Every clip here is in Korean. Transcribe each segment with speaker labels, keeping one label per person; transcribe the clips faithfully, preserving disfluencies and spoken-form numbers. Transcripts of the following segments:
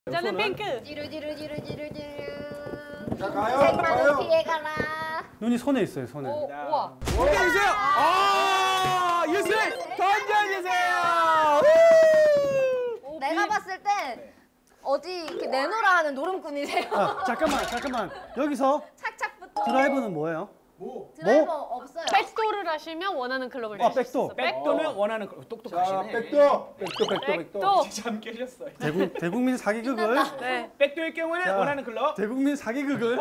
Speaker 1: 저는 핑크.
Speaker 2: 지루지루지루지루지루.
Speaker 3: 자 가요.
Speaker 2: 색만을
Speaker 3: 가요.
Speaker 2: 피해가라.
Speaker 1: 눈이 손에 있어요, 손에.
Speaker 4: 오, 우와.
Speaker 5: 던져주세요. 아, 유슬 던져주세요.
Speaker 4: 오,
Speaker 2: 내가
Speaker 4: 비-
Speaker 2: 봤을 땐 어디 이렇게 내놓으라 하는 노름꾼이세요.
Speaker 1: 아, 잠깐만, 잠깐만. 여기서
Speaker 2: 착착부터.
Speaker 1: 드라이브는 뭐예요?
Speaker 3: 뭐?
Speaker 2: 드라이버 없어요.
Speaker 4: 백도를 하시면 원하는 클럽을
Speaker 1: 아,
Speaker 4: 주실 수
Speaker 1: 백도.
Speaker 4: 있어.
Speaker 5: 백도는 원하는 거.
Speaker 3: 자
Speaker 5: 똑똑하시네.
Speaker 3: 백도. 백도 백도 백도.
Speaker 4: 백도.
Speaker 5: 잠 깨셨어요.
Speaker 1: 대국, 대국민 사기극을
Speaker 4: 네.
Speaker 5: 백도의 경우에는
Speaker 1: 자,
Speaker 5: 원하는 클럽.
Speaker 1: 대국민 사기극을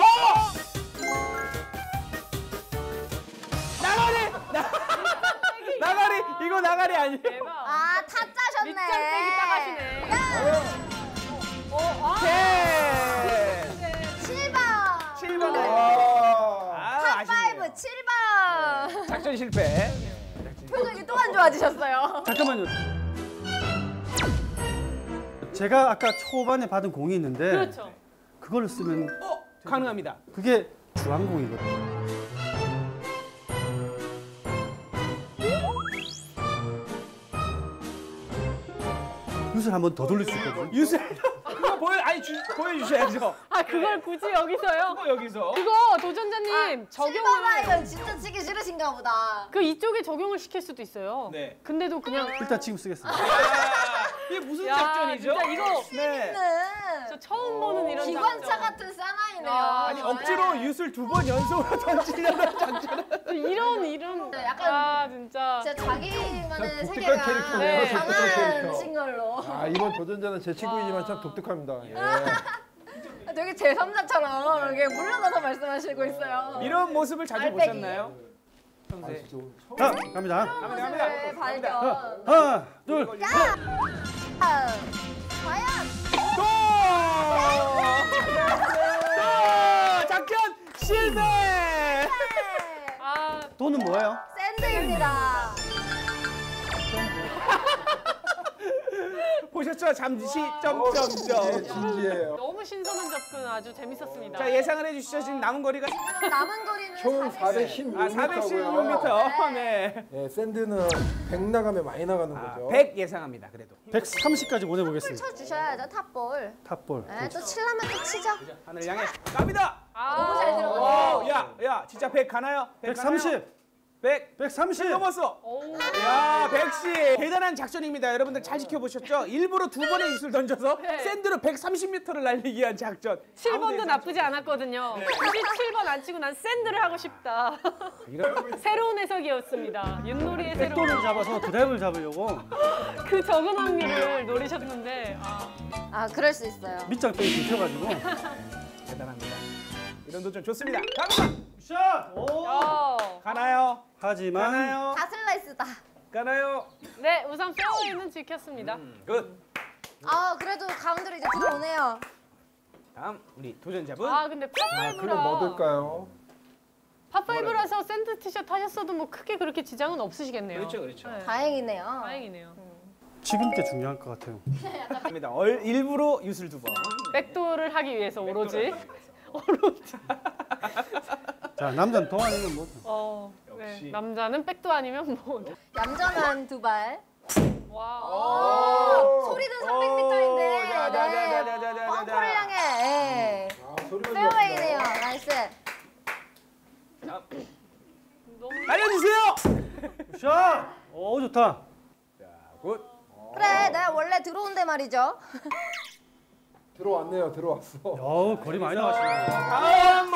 Speaker 5: 나가리. 나- 나가리. 이거 나가리 아니에요.
Speaker 4: 대박.
Speaker 2: 아 타짜셨네.
Speaker 4: 밑장빼기 딱 하시네. 오, 아.
Speaker 5: 네.
Speaker 2: 칠 번.
Speaker 5: 칠 번.
Speaker 3: 아.
Speaker 5: 아, 아쉽네요.
Speaker 2: 탑 칠 번.
Speaker 5: 작전 실패.
Speaker 2: 표정이 또 안 좋아지셨어요.
Speaker 1: 잠깐만요. 제가 아까 초반에 받은 공이 있는데
Speaker 4: 그렇죠.
Speaker 1: 그걸 쓰면
Speaker 5: 어, 가능합니다.
Speaker 1: 그게 주황공이거든요. 유술 한 번 더 돌릴 수 있거든요.
Speaker 5: 유슬. 그거 보여 아니 주, 보여주셔야죠.
Speaker 4: 아, 그걸 굳이 여기서요?
Speaker 5: 그거 여기서.
Speaker 4: 그거 도전자님 적용을
Speaker 2: 칠 번은 진짜 치기 싫으신가 보다.
Speaker 4: 그 이쪽에 적용을 시킬 수도 있어요.
Speaker 5: 네.
Speaker 4: 근데도 그냥
Speaker 1: 일단 지금 쓰겠습니다.
Speaker 5: 야, 이게 무슨
Speaker 4: 야,
Speaker 5: 작전이죠?
Speaker 4: 진짜 이거
Speaker 5: 네.
Speaker 4: 저 처음 보는 이런
Speaker 2: 기관차
Speaker 4: 작전.
Speaker 2: 같은 사나이네요.
Speaker 4: 아,
Speaker 5: 아니 억지로 유술 두 번 연속으로 던지려는 작전.
Speaker 4: 이런 이런
Speaker 2: 네, 약간
Speaker 4: 아 진짜
Speaker 2: 진짜 자기만의
Speaker 3: 독특한
Speaker 2: 세계가
Speaker 3: 캐릭터네요.
Speaker 4: 네.
Speaker 3: 독특한
Speaker 2: 강한
Speaker 3: 캐릭터.
Speaker 2: 신 걸로.
Speaker 3: 아 이번 도전자는 제 친구이지만 참 독특합니다. 예.
Speaker 2: 되게 제삼자처럼 이렇게 물러나서 말씀하시고 있어요.
Speaker 5: 이런 모습을 자주
Speaker 2: 알배기.
Speaker 5: 보셨나요? 평소에.
Speaker 1: 자, 갑니다.
Speaker 5: 갑니다, 갑니다.
Speaker 2: 모습을 발견.
Speaker 1: 하나, 둘, 셋.
Speaker 2: 아, 과연
Speaker 5: 또! 또! 작전 실패!
Speaker 4: 아
Speaker 1: 돈은 뭐예요?
Speaker 2: 샌드입니다.
Speaker 5: 보셨죠? 잠시
Speaker 3: 예,
Speaker 5: 점점점.
Speaker 3: 진지해요.
Speaker 4: 너무 신선한 접근 아주 재밌었습니다.
Speaker 5: 자 예상을 해주시죠. 지금 남은 거리가
Speaker 2: 남은 거리는
Speaker 3: 총
Speaker 2: 사백십육.
Speaker 5: 아 사백십육 미터. 네.
Speaker 3: 예, 샌드는 백 나가면 많이 나가는
Speaker 5: 아,
Speaker 3: 거죠.
Speaker 5: 백 예상합니다. 그래도
Speaker 1: 백삼십까지 보내보겠습니다.
Speaker 2: 쳐주셔야죠 탑볼.
Speaker 1: 탑볼.
Speaker 2: 네, 또 칠라면 또 치죠.
Speaker 5: 하늘 향해 갑니다.
Speaker 4: 아,
Speaker 2: 너무 잘 들어갔어요.
Speaker 5: 오, 야, 야, 진짜 백 가나요? 백 가나요?
Speaker 1: 백삼십.
Speaker 5: 백.
Speaker 1: 백삼십.
Speaker 5: 넘었어.
Speaker 4: 오.
Speaker 5: 야, 백십. 대단한 작전입니다. 여러분들 잘 지켜보셨죠? 일부러 두 번의 이슬 던져서
Speaker 4: 네.
Speaker 5: 샌드로 백삼십 미터를 날리기 위한 작전.
Speaker 4: 칠 번도
Speaker 5: 아무도
Speaker 4: 나쁘지 않았거든요. 굳이 칠 번 안 치고 난 샌드를 하고 싶다.
Speaker 5: 이런
Speaker 4: 새로운 해석이었습니다. 윷놀이의 새로운
Speaker 1: 백도를 잡아서 드라이브를 잡으려고
Speaker 4: 그 적은 확률을 노리셨는데 아,
Speaker 2: 아 그럴 수 있어요.
Speaker 1: 밑장 빼기 들켜가지고.
Speaker 5: 대단합니다. 이런 도전 좋습니다. 갑니다.
Speaker 1: 샷! 오!
Speaker 4: 어.
Speaker 5: 가나요?
Speaker 1: 하지만
Speaker 5: 가나요?
Speaker 2: 다 슬라이스다.
Speaker 5: 가나요?
Speaker 4: 네 우선 페어웨이는 지켰습니다.
Speaker 5: 굿.
Speaker 2: 아 그래도 가운데로 이제 들어오네요.
Speaker 5: 다음 우리 도전자분.
Speaker 4: 아 근데
Speaker 3: 아, 그럼
Speaker 4: 팝파이브라
Speaker 3: 뭐 들까요?
Speaker 4: 팝파이브라서 샌드 티셔츠 하셨어도 뭐 크게 그렇게 지장은 없으시겠네요.
Speaker 5: 그렇죠, 그렇죠.
Speaker 4: 네.
Speaker 2: 다행이네요.
Speaker 4: 다행이네요.
Speaker 1: 지금 게 중요할 것 같아요.
Speaker 5: 갑니다. 얼, 일부러 유술 두 번.
Speaker 4: 백도를 하기 위해서 오로지 오로지.
Speaker 1: 자, 남자는 동안이면 뭐.
Speaker 4: 어,
Speaker 5: 역시.
Speaker 4: 네. 남자는 백도 아니면 뭐.
Speaker 2: 얌전한 두 발.
Speaker 4: 와.
Speaker 2: 오, 소리는 삼백 미터인데.
Speaker 5: 오, 자, 자, 자, 자, 자, 자, 자,
Speaker 2: 벙커를 향해. 예.
Speaker 3: 아, 소리가
Speaker 2: 페어웨이네요.
Speaker 3: 좋았어요.
Speaker 2: 나이스.
Speaker 5: 다음.
Speaker 4: 너무
Speaker 5: 날려주세요.
Speaker 1: 샷! 오, 좋다.
Speaker 5: 자, 굿.
Speaker 2: 그래, 내가 원래 들어온데 말이죠.
Speaker 3: 들어왔네요. 들어왔어.
Speaker 1: 야, 거리 많이 나가시네.
Speaker 5: 다음 뭐?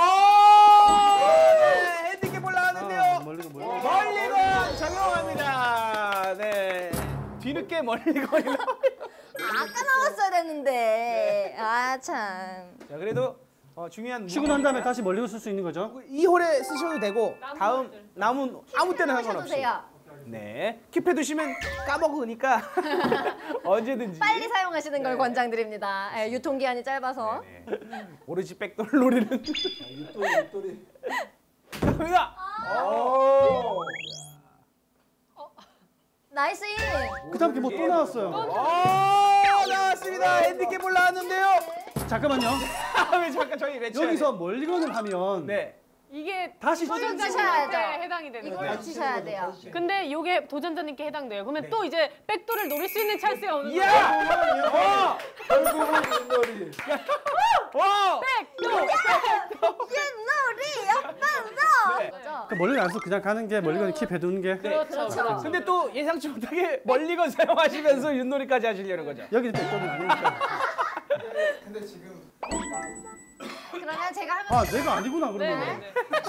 Speaker 5: 네, 핸디캡 올라왔는데요.
Speaker 1: 아, 멀리건 멀리.
Speaker 5: 멀리건 적용합니다. 네. 뒤늦게 멀리건이 나와요.
Speaker 2: 아까 나왔어야 됐는데. 아 참.
Speaker 5: 자, 그래도 어, 중요한
Speaker 1: 치고 난 다음에 다시 멀리건 쓸 수 있는 거죠?
Speaker 5: 이 홀에 쓰셔도 되고
Speaker 4: 남은
Speaker 5: 다음
Speaker 4: 홀들.
Speaker 5: 남은 아무 때나
Speaker 2: 하셔도
Speaker 5: 상관없이.
Speaker 2: 돼요.
Speaker 5: 네. 킵해 두시면 까먹으니까 언제든지.
Speaker 2: 빨리 사용하시는 걸 권장드립니다. 예, 유통기한이 짧아서.
Speaker 5: 네. 오로지 백돌 노리는.
Speaker 3: 육돌이 육돌이.
Speaker 5: 갑니다.
Speaker 3: 오.
Speaker 2: 나이스 인.
Speaker 1: 그 다음 게 뭐 또 나왔어요.
Speaker 5: 오, 나왔습니다. 핸디캡 올라왔는데요.
Speaker 1: 잠깐만요.
Speaker 5: 왜 잠깐 저희 외쳐야
Speaker 1: 여기서 멀리건을 하면
Speaker 5: 네.
Speaker 4: 이게
Speaker 1: 다시
Speaker 4: 도전자님한테
Speaker 2: 치셔야죠.
Speaker 4: 해당이 되는
Speaker 2: 이걸로
Speaker 4: 거예요.
Speaker 2: 치셔야 돼요.
Speaker 4: 근데 이게 도전자님께 해당돼요. 그러면 또 이제 백도를 노릴 수 있는 찬스가 오는 거예요.
Speaker 5: 이야! 어!
Speaker 3: 결국은 윷놀이.
Speaker 5: 어!
Speaker 4: 백도!
Speaker 2: 윷놀이 옆방도. 거죠?
Speaker 1: 그 멀리 안 써 그냥 가는 게 멀리 가는 킵 해두는 게.
Speaker 4: 그렇죠. 그렇죠.
Speaker 5: 근데 또 예상치 못하게 멀리건 사용하시면서 윷놀이까지 하시려는 거죠.
Speaker 1: 여기는 백도는 아니니까.
Speaker 3: 근데 지금
Speaker 2: 그러면 제가 하면
Speaker 1: 아 내가 아니구나
Speaker 4: 네,
Speaker 1: 그러면.
Speaker 4: 네, 네.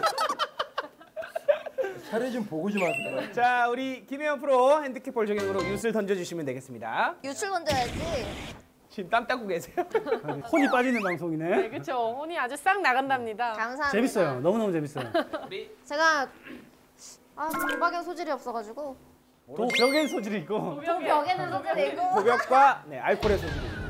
Speaker 3: 차례 좀 보고 좀 하세요.
Speaker 5: 자, 우리 김혜연 프로 핸디캡볼 적용으로 윷을 던져주시면 되겠습니다.
Speaker 2: 유출 던져야지.
Speaker 5: 지금 땀 닦고 계세요?
Speaker 1: 혼이 빠지는
Speaker 4: 네,
Speaker 1: 방송이네.
Speaker 4: 그렇죠. 혼이 아주 싹 나간답니다.
Speaker 2: 감사합니다.
Speaker 1: 재밌어요. 너무너무 재밌어요.
Speaker 2: 제가 아 도박에 소질이 없어가지고
Speaker 1: 또 벽엔 소질이 있고.
Speaker 2: 벽에는 소질이 있고.
Speaker 5: 도벽과 네, 알코올의 소질입니다.